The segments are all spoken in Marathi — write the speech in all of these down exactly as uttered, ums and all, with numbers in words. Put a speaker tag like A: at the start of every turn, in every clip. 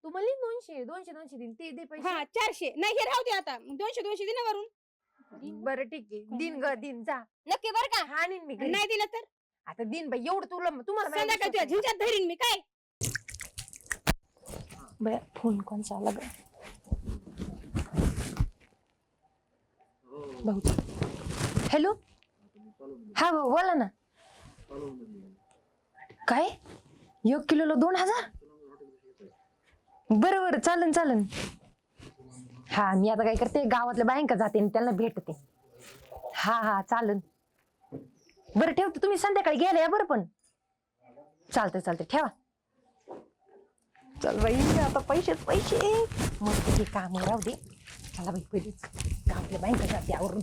A: तुम्हाला दोनशे दोनशे दोनशे दिन ते दे पैसे.
B: हा चारशे नाही हे राहू दे आता दोनशे दोनशे दे ना वरून.
A: बरं ठीक आहे दिन ग दिन जा
C: नक्की बरं का?
A: हा आणीन मी घरी.
B: नाही दिलं तर
A: आता दिन बाई एवढं तुला तुम्हाला माझ्यावर
B: संध्याकाळी तुझ्या
A: विश्वास नाही.
B: झिंच्यात धरीन मी काय.
A: बया फोन कोणचा आला ग भाऊ. हॅलो हा भाऊ बोला ना. काय एक किलोला दोन हजार बरं बरं चालन चालन. हा मी आता काय करते गावातल्या बायका जाते आणि त्यांना भेटते. हा हा चालन बरं ठेवते तुम्ही संध्याकाळी गेल्या बरं पण चालतंय चालतंय ठेवा. चल बाई आता पैसेच पैसे मस्त हे काम राहू दे. चला बाई पहिलीच गावातल्या बायका जाते आवरून.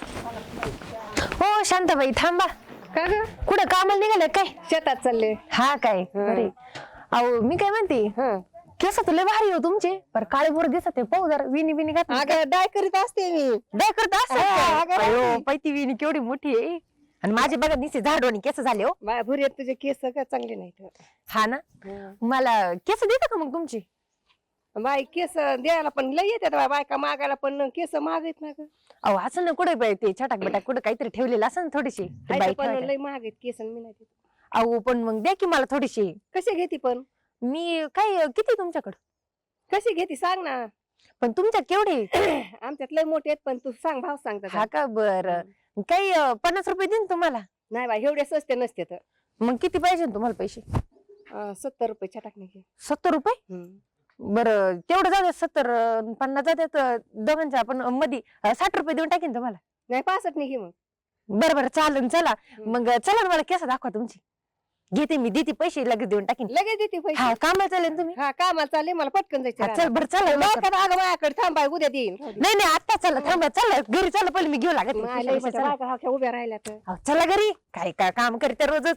A: हो शांताबाई थांबा.
B: का ग
A: कुठं कामाला निघाले काय?
B: शेतात चालले.
A: हा काय अरे अहो मी काय म्हणते केस तुला भारी हो तुमचे पर काळे बोर दिसत आहे पाहू जरा विनी विनी घात
B: अगं डाय करीत असते मी.
A: डाय करत
B: हा, अगं
A: असत
B: बाई.
A: पैती विनी केवढी मोठी आहे आणि माझे बघा निसे झाडवानी केस झाले हो.
B: बाय भुरी तुझे केस काय चांगले नाहीत.
A: हा ना मला केस देता का मग तुमची?
B: बाई केस द्यायला पण लय येतात बाय बायका मागायला पण केस मागत ना ग.
A: अहो असं ना कुठे बाई ते छटाक बटाक कुठे काहीतरी ठेवलेलं असं ना थोडीशी ते बाई
B: पण
A: ठेवायला.
B: लय महाग आहेत केस मी नाही देत.
A: अहो पण मग द्या की मला थोडीशी.
B: कशी घेते पण
A: मी काय किती तुमच्याकडं
B: कशी घेते सांग ना.
A: पण तुमच्यात केवढे?
B: आमच्यात लय मोठे आहेत पण तू सांग भाव सांग
A: हा
B: त्याचा.
A: का बरं काही अं, पन्नास रुपये देईन तुम्हाला.
B: नाही बाई एवढे स्वस्त नसते तर
A: मग किती पाहिजे तुम्हाला पैसे?
B: अं, सत्तर रुपये छटाक नाही.
A: सत्तर रुपये बरं तेवढं जाऊ द्या. सत्तर अं, पन्नास जातात अं, दोघांच्या आपण अं, मध्ये अं, साठ रुपये देऊन टाकीन तुम्हाला.
B: नाही पासष्ट नाही घे मग.
A: बरं बरं चालन चला
B: हम्म.
A: मग अं, चला ना मला केस दाखवा तुमची. घेते मी देते पैसे लगेच देऊन टाकीन.
B: लगेच देते पैसे.
A: हा कामाला चालेल तुम्ही.
B: हा कामाला चालले मला पटकन जायचं
A: हा,
B: रानात.
A: चल बरं चला लवकर.
B: लवकर अगं माझ्याकडे थांब बाई उद्या देईन.
A: नाही नाही आता चला थांबा चला घरी चला पहिले मी घेऊ लागत
B: मला लय मोठ्या बायका अख्ख्या उभ्या राहिल्या तर.
A: अहो, चला घरी काय काय काम करते रोजच.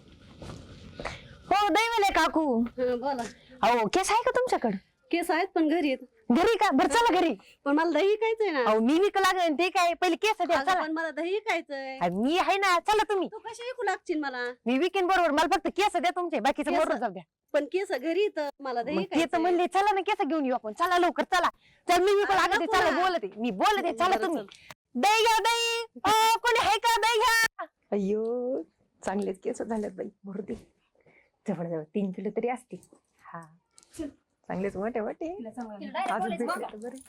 A: हो दैवले काकू
C: बोला.
A: अहो केस आहे का तुमच्याकडे?
C: केस आहेत पण घरी आहेत.
A: घरी का बरं चला घरी.
C: पण मला दही खायचंय ना.
A: अहो मी विकू लागेल ते काय पहिले केस द्या
C: अगं,
A: चला.
C: पण मला दही खायचंय.
A: अरे, मी आहे ना चला तुम्ही.
C: तू कशी विकू लागशील मला?
A: मी विकेन बरोबर मला फक्त केस द्या तुमचे बाकीचं
C: केस?
A: बरोबर जाऊ द्या.
C: पण केस घरी येतं मला दही
A: मग ते तर
C: खायचंय.
A: म्हणले चला ना केस घेऊन येऊ आपण चला लवकर चला. चल मी विकू
C: अरे,
A: लागते
C: नको
A: चला
C: ना.
A: बोलते मी बोलते चला
C: बरं,
A: तुम्ही.
C: चल.
A: दही घ्या दही अ, कोणी आहे का दही घ्या. अय्यो चांगलेच केस झालेत बाई भरू दे. जवळ जवळ तीन किलो तरी असतील. हा चांगलेच मोठे मोठे अजून भेटले तर बरे.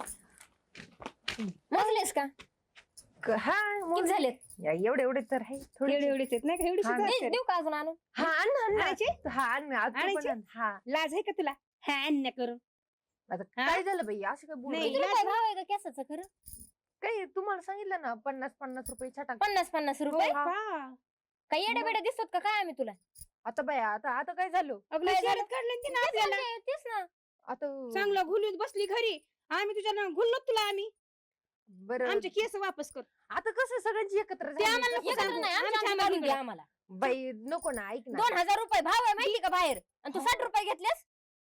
C: मोजलेस का?
A: क- हा
C: किती
A: मोज-
C: झालेत?
A: या, एवढे एवढे तर आहे थोडे.
B: एवढे एवढेच आहेत नाही का एवढीच
A: हा,
B: आहेत
C: दे-
B: असते.
C: देऊ का अजून आणून?
A: हा आण ना, आण ना.
B: आणायचे?
A: हा आण ना, आज तू पण
B: आणायचे?
A: आण. हा
B: लाज आहे का तुला हा अन्य करून.
A: आता
B: हा?
A: काय झालं बाई असं काय बोल
B: नाही.
C: किती रुपये भाव आहे का केसाचं खरं?
A: काय तुम्हाला सांगितलं ना पन्नास पन्नास रुपये छटाक.
C: पन्नास पन्नास रुपये.
A: हा.
B: का?
C: काही येडे बेडे दिसतात का काय आम्ही तुला?
A: आता बाई आता आता काय झालं
B: आपलं
C: काय
B: शहरात
C: झालं?
B: काढलं की ना
C: तेच
B: आपल्याला.
C: म्हणते, तेच ना.
A: आता
B: चांगलं घुलून बसली घरी आम्ही तुझ्या ना घुललो तुला आम्ही
A: बरं
B: आमचे केस वापस कर.
A: आता कसं सगळ्यांची एकत्र
B: ते
A: झाली
B: आम्हाला
A: कसं
B: नको
C: एकत्र
A: सांगू?
B: सांगू.
C: नाही, आमच्या
B: आमच्या
C: आम्ही काढून
B: आम्हाला
C: घे आम्हाला.
A: बाई नको ना ऐक ना.
C: दोन हजार रुपये भाव आहे माहिती का बाहेर आणि तू साठ रुपये घेतलेस.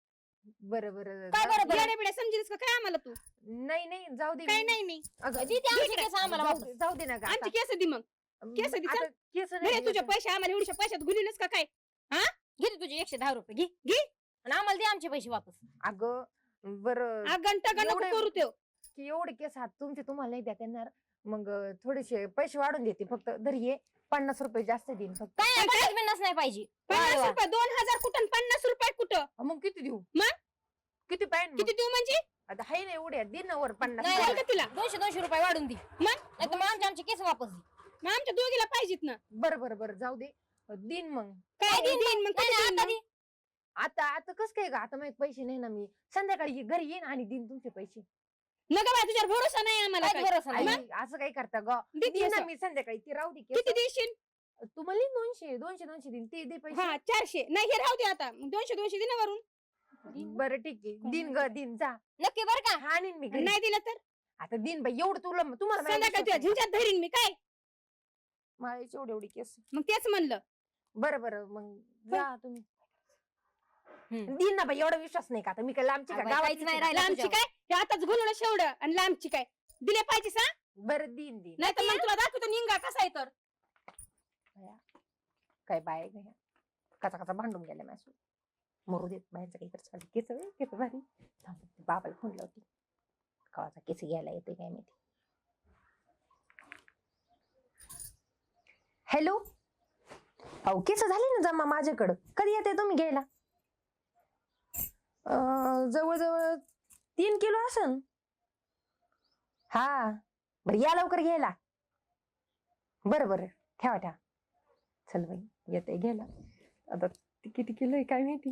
A: बरं बरं
C: काय
A: जाऊ
C: बरं
A: दे.
C: बरं?
B: येड्या बिड्या समजेलस का काय आम्हाला तू.
A: नाही नाही जाऊ दे
B: काय
A: मी-
B: नाही नाही
A: अगं,
C: दे ते आमचे
B: इकडे.
C: केस आम्हाला
A: जाऊ
C: वापस.
A: दे- जाऊ दे ना गं
B: आमचे
A: आता.
B: केस दे मग. केस दे,
A: आता केस
B: घे
A: नाही
B: तुझे
A: आता.
B: पैसे आम्हाला एवढ्या पैशात घुलूनच का काय.
C: घे तू तुझे एकशे दहा रुपये घे
B: घे.
C: आणि आम्हाला दे आमचे पैसे वापस.
A: अगं बरं
B: घंटा नको
A: एवढे-
B: करू त्यो.
A: की एवढे केस हात तुमचे तुम्हाला नाही देता येणार मग अं, थोडेसे पैसे वाढून देते फक्त धरी ये पन्नास रुपये जास्त देईन फक्त.
C: काय नाही, पन्नास बिन्नास नाही पाहिजे.
B: पन्नास
C: वा, वा.
B: रुपये दोन हजार कुठं आणि पन्नास रुपये कुठं.
A: अं, मग किती देऊ
B: मग?
A: किती पाहिजे
B: किती देऊ म्हणजे
A: आता हाय ना एवढे दिन वर पन्नास
C: नाही,
B: बोल
A: रुपये.
B: का तुला.
C: दोनशे दोनशे रुपये वाढून दे.
B: मग
C: नाही तर मग आमचे आमचे केस वापस दे.
B: मग आमच्या दोघीला पाहिजेत ना.
A: बरं बरं बरं जाऊ दे दिन मग
B: काय
C: काय देईन
B: देईन मग
C: नाही,
B: कधी
C: नाही,
B: देईन
C: आता
B: मग?
C: दे.
A: आता आता कस काय का आता माझे पैसे नाही ना मी संध्याकाळी ये- घरी येईन आणि दिन तुमचे पैसे.
B: नका बाय तुझ्यावर भरोसा नाही आम्हाला
C: काहीच
B: काय.
C: भरोसा नाही.
A: आई, असं काय करता ग
B: दे
A: दिन ना
B: केस.
A: मी संध्याकाळी ती राहू दे
B: किती
A: केस.
B: देशील.
A: तुम्हाला दोनशे दोनशे दोनशे दिन ते दे पैसे.
B: हा चारशे नाही हे राहू दे आता दोनशे दोनशे दे ना वरून.
A: बरं ठीक आहे दिन ग दिन जा
C: नक्की बरं का?
A: हा आणीन मी घरी.
B: नाही दिलं तर
A: आता दिन बाई एवढं तुला तुम्हाला माझ्यावर
B: संध्याकाळी तुझ्या
A: विश्वास नाही.
B: झिंच्यात धरीन मी काय.
A: माझ्याची एवढी एवढी केस.
B: मग तेच म्हणलं.
A: बरं बरं मग जा तुम्ही
C: हम्म.
A: दिन ना बाई एवढा विश्वास नाही का आता मी काय लांबची का
C: अगं बाई, काहीच
A: गावातलीच
C: नाही
A: आहे का?
C: राहिलं
B: लांबची
C: तुझ्यावर.
B: काय हे आताच घुलवलं शेवडं आणि लांबची काय दिले पाहिजे सांग.
A: बरं दिन दिन
B: नाही तर मग तुला दाखवतो निंगा कसा आहे तर.
A: काय बाय कचा कचा भांडून गेल्या माझ्या मरू देत बाहेरचं काही करत केस होय, केस भारी. थांब, बाबाला फोन लावते. कवाचा केस घ्यायला येतोय काय माहिती. हॅलो, अहो केस झाले ना जमा माझ्याकडं. कधी येते तुम्ही घ्यायला? अं, जवळजवळ तीन किलो असन. हा बरं या लवकर घ्यायला. बरं बरं ठेवा ठेवा. चल बाई येते घ्यायला. आता किती किलो आहे काय माहिती.